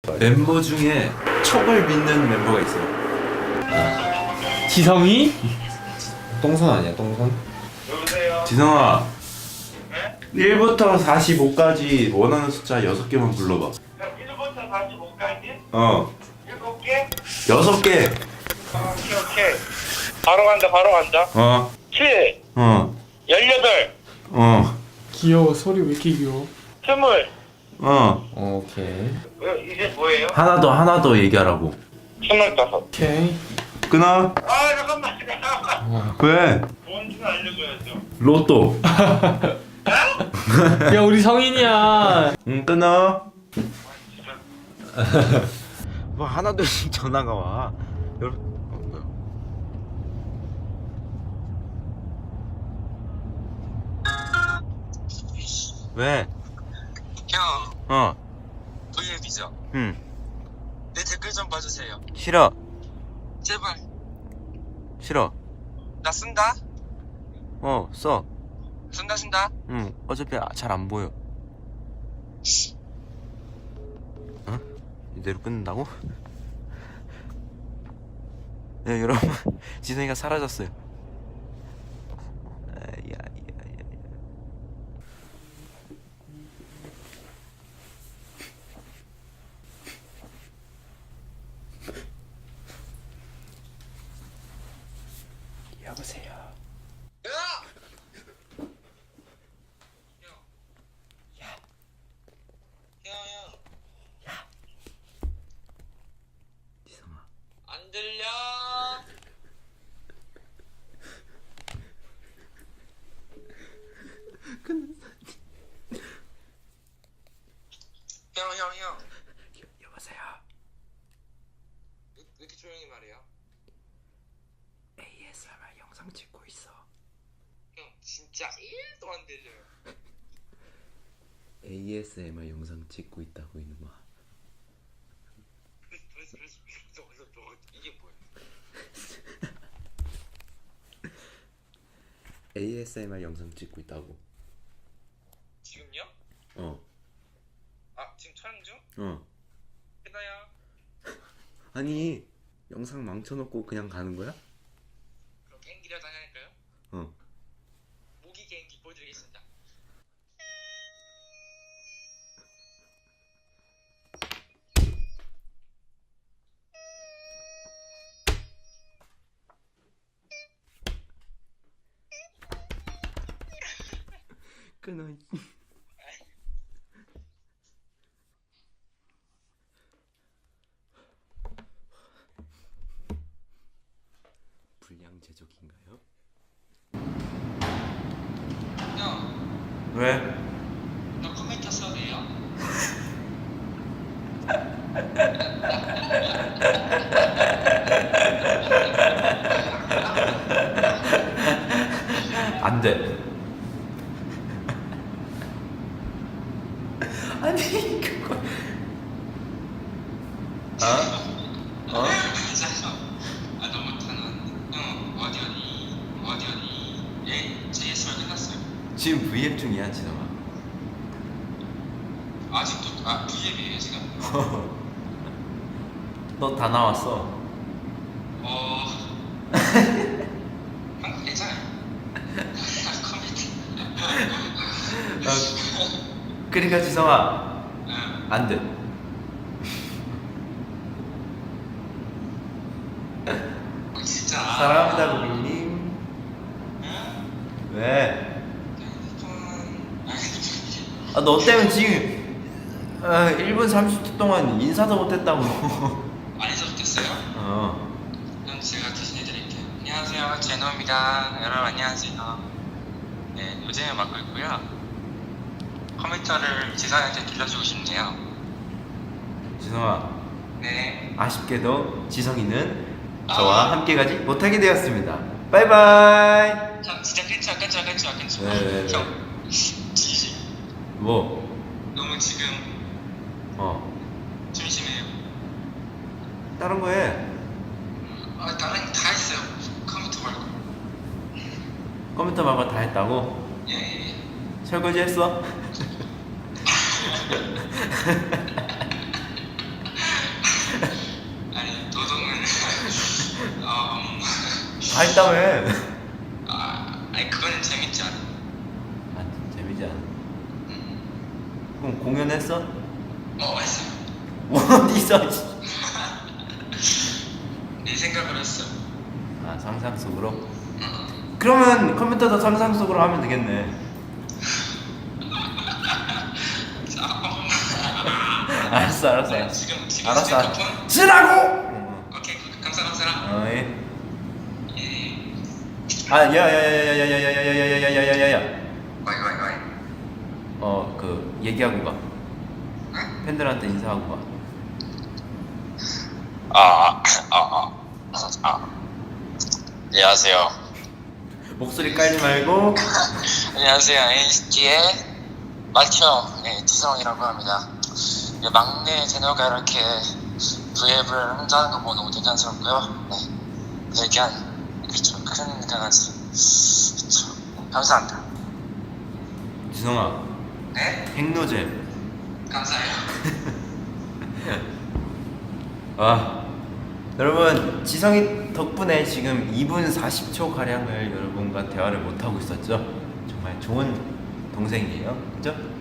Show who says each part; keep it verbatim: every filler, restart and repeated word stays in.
Speaker 1: 멤버 중에 척을 믿는 멤버가 있어요.
Speaker 2: 지성이?
Speaker 3: 똥손 아니야 똥손?
Speaker 4: 여보세요?
Speaker 1: 지성아,
Speaker 4: 네?
Speaker 1: 일부터 사십오까지 원하는 숫자 여섯 개만 불러봐.
Speaker 4: 일부터 사십오까지?
Speaker 1: 어,
Speaker 4: 일곱 개?
Speaker 1: 여섯 개.
Speaker 4: 어, 오케이 오케이 바로 간다 바로 간다
Speaker 1: 어,
Speaker 4: 칠
Speaker 1: 어,
Speaker 4: 열여덟
Speaker 1: 어,
Speaker 2: 귀여워. 소리 왜 이렇게 귀여워?
Speaker 4: 스물
Speaker 1: 어.
Speaker 3: 오케이.
Speaker 4: 어, 이제 뭐예요?
Speaker 1: 하나 더, 하나 더 얘기하라고.
Speaker 4: 스물다섯
Speaker 2: 오케이.
Speaker 1: 끊어.
Speaker 4: 아 잠깐만 잠깐만
Speaker 1: 왜?
Speaker 4: 돈 좀 알려줘야죠
Speaker 1: 로또.
Speaker 2: 야, 우리 성인이야.
Speaker 1: 응, 끊어. 뭐 하나둘씩 전화가 와. 여러분, 어, 뭐야? 왜?
Speaker 5: 형,
Speaker 1: 어,
Speaker 5: 브이앱이죠?
Speaker 1: 응,
Speaker 5: 내 댓글 좀 봐주세요.
Speaker 1: 싫어,
Speaker 5: 제발.
Speaker 1: 싫어.
Speaker 5: 나 쓴다?
Speaker 1: 어, 써.
Speaker 5: 쓴다, 쓴다?
Speaker 1: 응, 어차피 잘 안 보여. 어? 이대로 끊는다고? 네, 여러분, 지성이가 사라졌어요. 아, 야, 야, 야, 야. 여보세요.
Speaker 5: 야! 형. 형, 형.
Speaker 1: 지성아.
Speaker 5: 안 들려? 형, 형, 형.
Speaker 1: 여, 여보세요.
Speaker 5: 왜, 왜 이렇게 조용히 말해요?
Speaker 1: 에이에스엠알 영상 찍고 있어.
Speaker 5: 형, 진짜 일도 안 들려요.
Speaker 1: 에이에스엠알 영상 찍고 있다고 이놈아.
Speaker 5: 그래서, 그래서, 그래서, 그래서, 그래서, 그래서, 이게 뭐야?
Speaker 1: 에이에스엠알 영상 찍고 있다고.
Speaker 5: 지금요?
Speaker 1: 어,
Speaker 5: 아, 지금 촬영 중?
Speaker 1: 어.
Speaker 5: 끝나요?
Speaker 1: 아니, 영상 망쳐놓고 그냥 가는 거야?
Speaker 5: 그럼 개인기라도 하나 할까요?
Speaker 1: 어.
Speaker 5: 모기 개인기 보여드리겠습니다.
Speaker 1: 끊어. 불량 제조기인가요?
Speaker 5: 형,
Speaker 1: 왜?
Speaker 5: 너 컴퓨터 써도 돼요?
Speaker 1: 안 돼. 아니 그거. 어? 어?
Speaker 5: 아 너무 못하는. 형 어디 어디 어디 어디 예 제이에스만 끝났어요.
Speaker 1: 지금 브이앱 중이야 지성아.
Speaker 5: 아직도 아 브이앱이에요 지금.
Speaker 1: 너 다 나왔어.
Speaker 5: 어 한국 괜찮아요. 컴퓨터.
Speaker 1: 어, 그러니까 지성아
Speaker 5: 응.
Speaker 1: 안 돼.
Speaker 5: 어, 진짜.
Speaker 1: 사랑합니다 고객님.
Speaker 5: 응?
Speaker 1: 왜?
Speaker 5: 핸드폰. 아 핸드폰이.
Speaker 1: 아, 너 때문에 지금 아, 일 분 삼십 초 동안 인사도 못했다고.
Speaker 5: 안 해도 됐어요?
Speaker 1: 어.
Speaker 5: 그럼 제가 대신해드릴게요. 안녕하세요, 제노입니다. 여러분 안녕하세요. 네, 요즘에 맡고 있고요. 컴퓨터를 지성한테 빌려주고 싶네요.
Speaker 1: 지성아,
Speaker 5: 네.
Speaker 1: 아쉽게도 지성이는 저와 함께 가지 못하게 되었습니다. 바이바이.
Speaker 5: 형 진짜 괜찮아, 괜찮아, 괜찮아, 괜찮아.
Speaker 1: 네, 네, 네.
Speaker 5: 형, 진심.
Speaker 1: 뭐?
Speaker 5: 너무 지금
Speaker 1: 어.
Speaker 5: 심심해요.
Speaker 1: 다른 거 해.
Speaker 5: 아, 다른 거 다 했어요. 컴퓨터 말고.
Speaker 1: 컴퓨터 말고 다 했다고?
Speaker 5: 예, 예, 예.
Speaker 1: 설거지 했어? 다 했다며.
Speaker 5: 아, 아니 그거는 재밌지 않아.
Speaker 1: 아, 재미지 않아. 그럼 공연했어?
Speaker 5: 어, 했어.
Speaker 1: 어디서? 씨.
Speaker 5: 네 생각을 했어.
Speaker 1: 아, 상상 속으로?
Speaker 5: 응.
Speaker 1: 그러면 컴퓨터도 상상 속으로 하면 되겠네.
Speaker 5: 자, 어.
Speaker 1: 알았어, 알았어.
Speaker 5: 네,
Speaker 1: 알았어.
Speaker 5: 지금 지금
Speaker 1: 알았어.
Speaker 5: 스피커폰?
Speaker 1: 쓰라고!
Speaker 5: 오케이, 감사 감사.
Speaker 1: 어, 예.
Speaker 5: 예.
Speaker 1: 아, 야, 야, 야, 야, 야, 야, 야, 야, 야, 야, 야, 야, 야, 야.
Speaker 5: 와이 와이 와이.
Speaker 1: 어, 그 얘기하고 가.
Speaker 5: 응?
Speaker 1: 팬들한테 인사하고 가.
Speaker 5: 아, 아, 아, 아. 안녕하세요.
Speaker 1: 목소리 깔지 말고.
Speaker 5: 안녕하세요. 엔시티의 마티형 네, 지성이라고 합니다. 네, 막내 제노가 이렇게 브이앱을 혼자 하는 거 보고 너무 대견스럽고요. 네, 대견 그렇죠. 큰 강아지. 그렇죠. 감사합니다.
Speaker 1: 지성아,
Speaker 5: 네,
Speaker 1: 핵노잼.
Speaker 5: 감사해요.
Speaker 1: 아, 여러분, 지성이 덕분에 지금 이 분 사십 초 가량을 여러분과 대화를 못 하고 있었죠. 정말 좋은 동생이에요, 그죠?